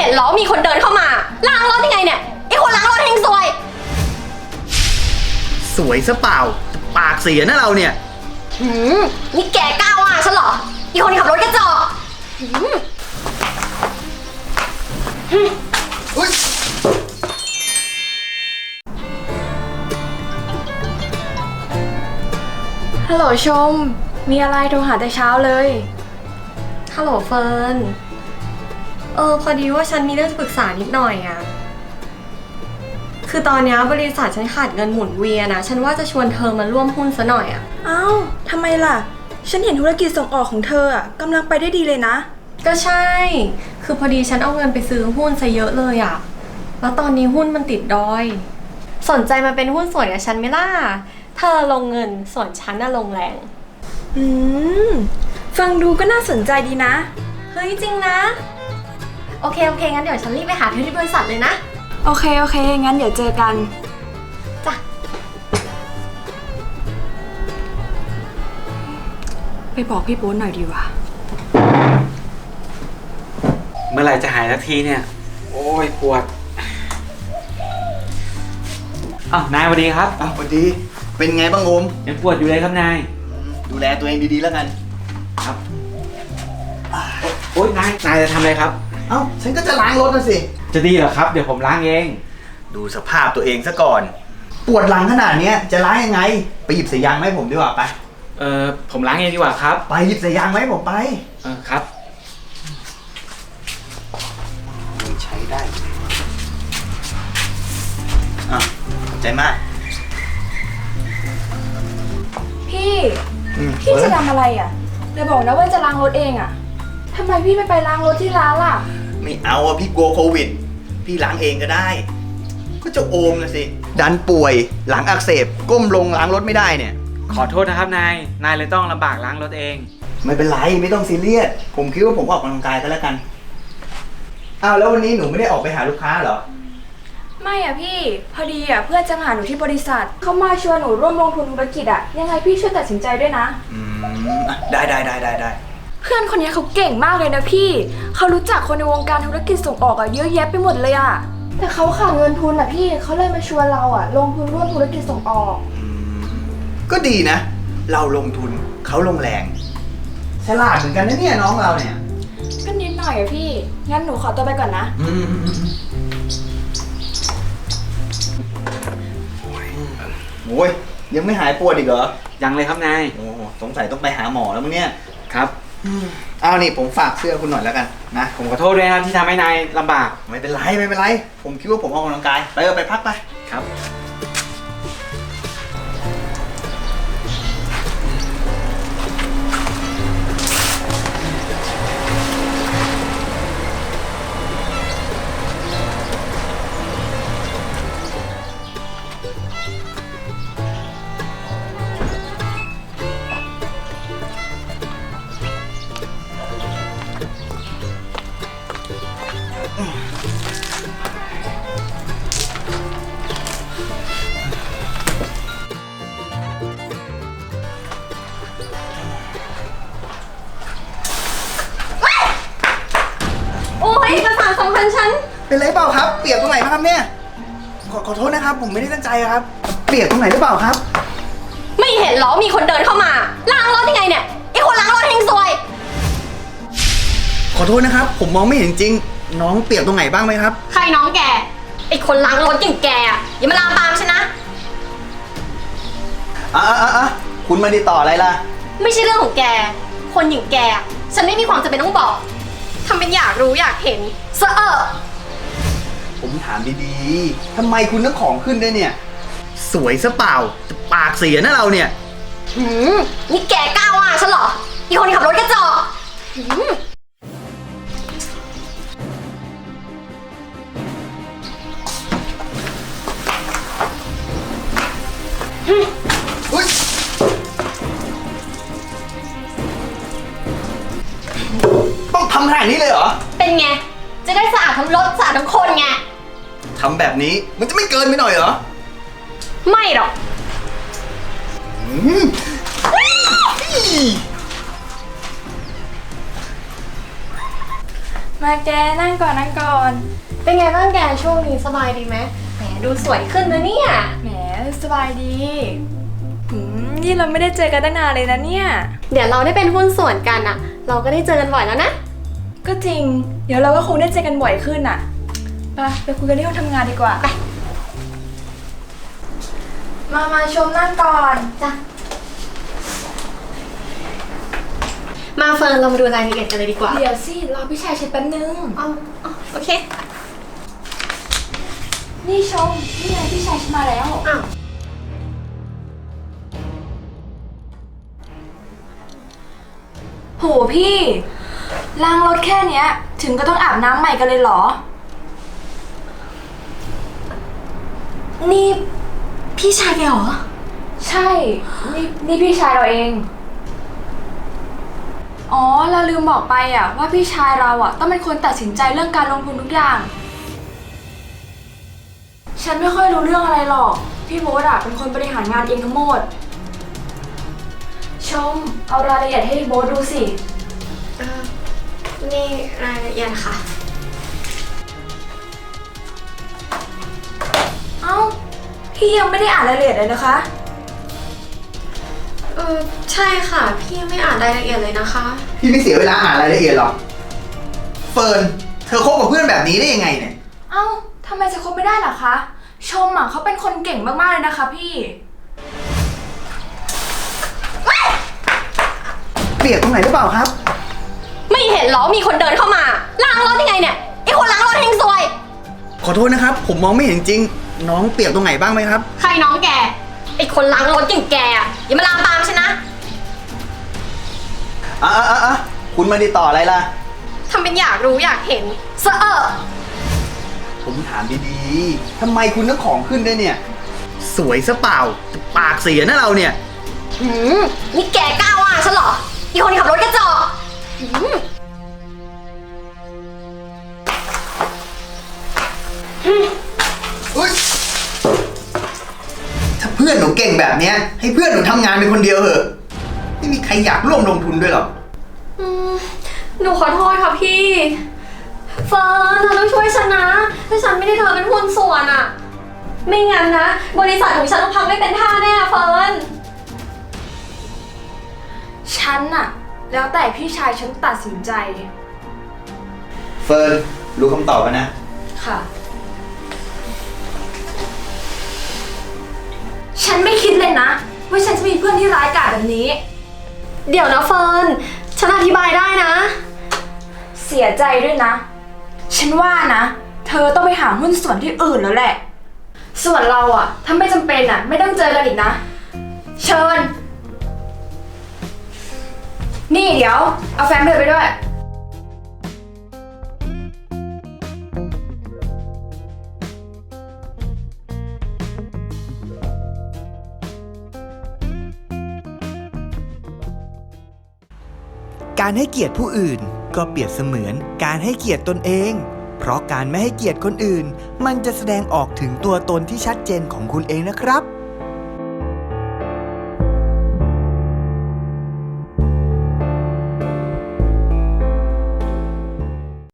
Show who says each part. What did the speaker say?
Speaker 1: นเหรอมีคนเดินเข้ามาล้างรถยังไงเนี่ยไอ้คนล้างรถเฮงซวย
Speaker 2: สวยซะเปล่าปากเสียนะเราเนี่ย
Speaker 1: นี่แกกล้าว่าฉันเหรออีคนขับรถกระจอก
Speaker 2: อุ๊ย
Speaker 3: ฮัลโหลชม มีอะไรโทรหาแต่เช้าเลย
Speaker 1: ฮัลโหลเฟิร์นพอดีว่าฉันมีเรื่องจะปรึกษานิดหน่อยอะคือตอนนี้บริษัทฉันขาดเงินหมุนเวียนนะฉันว่าจะชวนเธอมาร่วมหุ้นซะหน่อยอะ
Speaker 3: อ้าวทำไมล่ะฉันเห็นธุรกิจส่งออกของเธออ่ะกำลังไปได้ดีเลยนะ
Speaker 1: ก็ใช่คือพอดีฉันเอาเงินไปซื้อหุ้นซะเยอะเลยอะแล้วตอนนี้หุ้นมันติดดอยสนใจมาเป็นหุ้นส่วนกับฉันไหมล่ะเธอลงเงินส่วนฉันน่ะลงแรง
Speaker 3: ฟังดูก็น่าสนใจดีนะ
Speaker 1: เฮ้ยจริงนะโอเคงั้นเดี๋ยวฉันรีบไปหาเธอที่บริษัทเลยนะ
Speaker 3: โอเคงั้นเดี๋ยวเจอกัน
Speaker 1: จ้ะ
Speaker 3: ไปบอกพี่โป๊นหน่อยดีกว่า
Speaker 4: เมื่อไหร่จะหายสักทีเนี่ยโอ้ยปวดนายสวัสดีครับ
Speaker 2: สวัสดีเป็นไงบ้างโอม
Speaker 4: ยังปวดอยู่เลยครับนาย
Speaker 2: ดูแลตัวเองดีๆแล้วกัน
Speaker 4: ครับโอ๊ยนายจะทำอะไรครับ
Speaker 2: ฉันก็จะล้างรถนะสิ
Speaker 4: จะดีเหรอครับเดี๋ยวผมล้างเอง
Speaker 2: ดูสภาพตัวเองซะก่อนปวดหลังขนาดนี้จะล้างยังไงไปหยิบสายยางมาให้ผมดีกว่าไป
Speaker 4: ผมล้างเองดีกว่าครับ
Speaker 2: ไปหยิบสายยางมาให้ผมไป
Speaker 4: ครับ
Speaker 2: ใช้ได้ขอบใจมาก
Speaker 3: พี่จะทำอะไรอ่ะอย่าบอกนะว่าจะล้างรถเองอ่ะทำไมพี่ไม่ไปล้างรถที่ร้านล่ะ
Speaker 2: ไม่เอาพี่กลัวโควิดพี่ล้างเองก็ได้ก็จะโอมนะสิดันป่วยหลังอักเสบก้มลงล้างรถไม่ได้เนี่ย
Speaker 4: ขอโทษนะครับนายเลยต้องลำบากล้างรถเอง
Speaker 2: ไม่เป็นไรไม่ต้องซีเรียสผมคิดว่าผมออกกำลังกายก็แล้วกันแล้ววันนี้หนูไม่ได้ออกไปหาลูกค้าเหรอ
Speaker 3: ไม่อ่ะพี่พอดีอ่ะเพื่อนจะมาหาหนูที่บริษัทเขามาชวนหนูร่วมลงทุนธุรกิจอ่ะยังไงพี่ช่วยตัดสินใจด้วยนะ
Speaker 2: ได้
Speaker 3: เพื่อนคนนี้เขาเก่งมากเลยนะพี่เขารู้จักคนในวงการธุรกิจส่งออกอ่ะเยอะแยะไปหมดเลยอ่ะแต่เขาขาดเงินทุนอ่ะพี่เขาเลยมาชวนเราอ่ะลงทุนร่วมธุรกิจส่งออก
Speaker 2: ก็ดีนะเราลงทุนเขาลงแรงฉลาดเหมือนกันนะเนี่ยน้องเราเนี่ย
Speaker 3: ก็นิดหน่อยอ่ะพี่งั้นหนูขอตัวไปก่อนนะ
Speaker 2: โอ้ยยังไม่หายปวดอีกเหรอ
Speaker 4: ยังเลยครับนาย
Speaker 2: โอ้สงสัยต้องไปหาหมอแล้วมั้งเนี่ย
Speaker 4: ครับ
Speaker 2: นี่ผมฝากเสื้อคุณหน่อยแล้วกันนะ
Speaker 4: ผมขอโทษด้วยครับที่ทำให้นายลำบาก
Speaker 2: ไม่เป็นไรผมคิดว่าผมออกกำลังกายไปพักไป
Speaker 4: ครับ
Speaker 2: เป็นไรเปล่าครับเปียกตรงไหนครับเนี่ยขอโทษนะครับผมไม่ได้ตั้งใจครับเปียกตรงไหนหรือเปล่าครับ
Speaker 1: ไม่เห็นเหรอมีคนเดินเข้ามาล้างรถยังไงเนี่ยไอ้คนล้างรถเฮงซวย
Speaker 2: ขอโทษนะครับผมมองไม่เห็นจริงน้องเปียกตรงไหนบ้างไหมครับ
Speaker 1: ใครน้องแกไอ้คนล้างรถอย่างแกอย่ามาลามปามฉันนะ
Speaker 2: คุณมาติดต่ออะไรล่ะ
Speaker 1: ไม่ใช่เรื่องของแกคนอย่างแกฉันไม่มีความจำเป็นต้องบอกทำเป็นอยากรู้อยากเห็น
Speaker 2: ผมถามดีๆทำไมคุณต้องของขึ้นด้วยเนี่ยสวยซะเปล่าปากเสียนะเราเนี่ย
Speaker 1: นี่แกกล้าว่าฉันเหรออีคนขับรถกระจอก
Speaker 2: ต้องทำขนาดนี้เลยเหรอ
Speaker 1: เป็นไงจะได้สะอาดทั้งรถสะอาดทั้งคนไง
Speaker 2: ทำแบบนี้มันจะไม่เกินไปหน่อยเหรอ
Speaker 1: ไม่หรอก
Speaker 3: มาแกนั่งก่อนนั่งก่อน
Speaker 1: เป็นไงบ้างแกช่วงนี้สบายดีไหมแหมดูสวยขึ้นนะเนี่ย
Speaker 3: แหมสบายดีนี่เราไม่ได้เจอกันตั้งนานเลยนะเนี่ย
Speaker 1: เดี๋ยวเราได้เป็นหุ้นส่วนกันอะเราก็ได้เจอกันบ่อยแล้วนะ
Speaker 3: ก็จริง เดี๋ยวเราก็คงได้เจอกันบ่อยขึ้นอ่ะไปคุยกันที่ห้องทำงานดีกว่า
Speaker 1: ไป
Speaker 3: มาชมนั่งก่อน
Speaker 1: จ้ะมาเฟิร์นเรามาดูรายละเอียดกันเลยดีกว่า
Speaker 3: เดี๋ยวสิรอพี่ชายเช็ดแป๊บนึง
Speaker 1: เอาโอเค
Speaker 3: นี่ชมนี่ไงพี่ชายฉันมาแล้ว
Speaker 1: อ้าว
Speaker 3: โหพี่ล้างรถแค่เนี้ย ถึงก็ต้องอาบน้ำใหม่กันเลยเหรอ
Speaker 1: นี่พี่ชายแกเหรอ
Speaker 3: ใช่ นี่พี่ชายเราเอง อ๋อ เราลืมบอกไปอ่ะว่าพี่ชายเราอ่ะต้องเป็นคนตัดสินใจเรื่องการลงทุนทุกอย่าง ฉันไม่ค่อยรู้เรื่องอะไรหรอก พี่โบ๊ทอ่ะเป็นคนบริหารงานเองทั้งหมด ชม เอารายละเอียดให้โบ๊ทดูสิ
Speaker 1: นี่รายละเอียดค่ะ
Speaker 3: เอ้า พี่ยังไม่ได้อ่านรายละเอียดเลยนะคะ
Speaker 1: ใช่ค่ะ พี่ไม่อ่านรายละเอียดเลยนะคะ
Speaker 2: พี่ไม่เสียเวลาอ่านรายละเอียดหรอก เฟิร์น เธอคบกับเพื่อนแบบนี้ได้ยังไงเนี่ย
Speaker 3: เอ้าทำไมจะคบไม่ได้ล่ะคะ ชมอ่ะเขาเป็นคนเก่งมากๆเลยนะคะพี่
Speaker 2: เปรียบตรงไหนหรือเปล่าครับ
Speaker 1: ไม่เห็นเหรอมีคนเดินเข้ามาล้างรถยังไงเนี่ยไอคนล้างรถเฮงซวย
Speaker 2: ขอโทษนะครับ ผมมองไม่เห็นจริง น้องเปรียบตรงไหนบ้างไหมครับ
Speaker 1: ใครน้องแกไอคนล้างรถอย่างแกอะอย่ามาลามปามฉันนะ
Speaker 2: คุณมาติดต่ออะไรล่ะ
Speaker 1: ทำเป็นอยากรู้อยากเห็นเสอะ
Speaker 2: ผมถามดีๆ ทำไมคุณต้องของขึ้นด้วยเนี่ย สวยซะเปล่า ปากเสียนะเราเนี่ย
Speaker 1: นี่แกกล้าว่าฉันเหรออีคนขับรถกระจอก
Speaker 2: อุ๊ยถ้าเพื่อนหนูเก่งแบบเนี้ย ให้เพื่อนหนูทำงานเป็นคนเดียวเหอะ ไม่มีใครอยากร่วมลงทุนด้วยหรอก
Speaker 1: หนูขอโทษค่ะพี่เฟิร์นเธอต้องช่วยฉันนะถ้าฉันไม่ได้เธอเป็นหุ้นส่วนอะไม่งั้นนะบริษัทของฉันต้องพังไม่เป็นท่าแน่เฟิร์น
Speaker 3: ฉันน่ะ แล้วแต่พี่ชายฉันตัดสินใจ
Speaker 2: เฟิร์น รู้คำตอบแล้วนะ
Speaker 3: ค่ะ ฉันไม่คิดเลยนะ ว่าฉันจะมีเพื่อนที่ร้ายกาจแบบนี้
Speaker 1: เดี๋ยวนะเฟิร์นฉันอธิบายได้นะ
Speaker 3: เสียใจด้วยนะ ฉันว่านะ เธอต้องไปหาหุ้นส่วนที่อื่นแล้วแหละ ส่วนเราอะถ้าไม่จำเป็นอะไม่ต้องเจอกันอีกนะ เชิญ นี่เดี๋ยว เอาแฟ้มเดินไปด้วย
Speaker 5: การให้เกียรติผู้อื่นก็เปรียบเสมือนการให้เกียรติตนเอง เพราะการไม่ให้เกียรติคนอื่น มันจะแสดงออกถึงตัวตนที่ชัดเจนของคุณเองนะครับ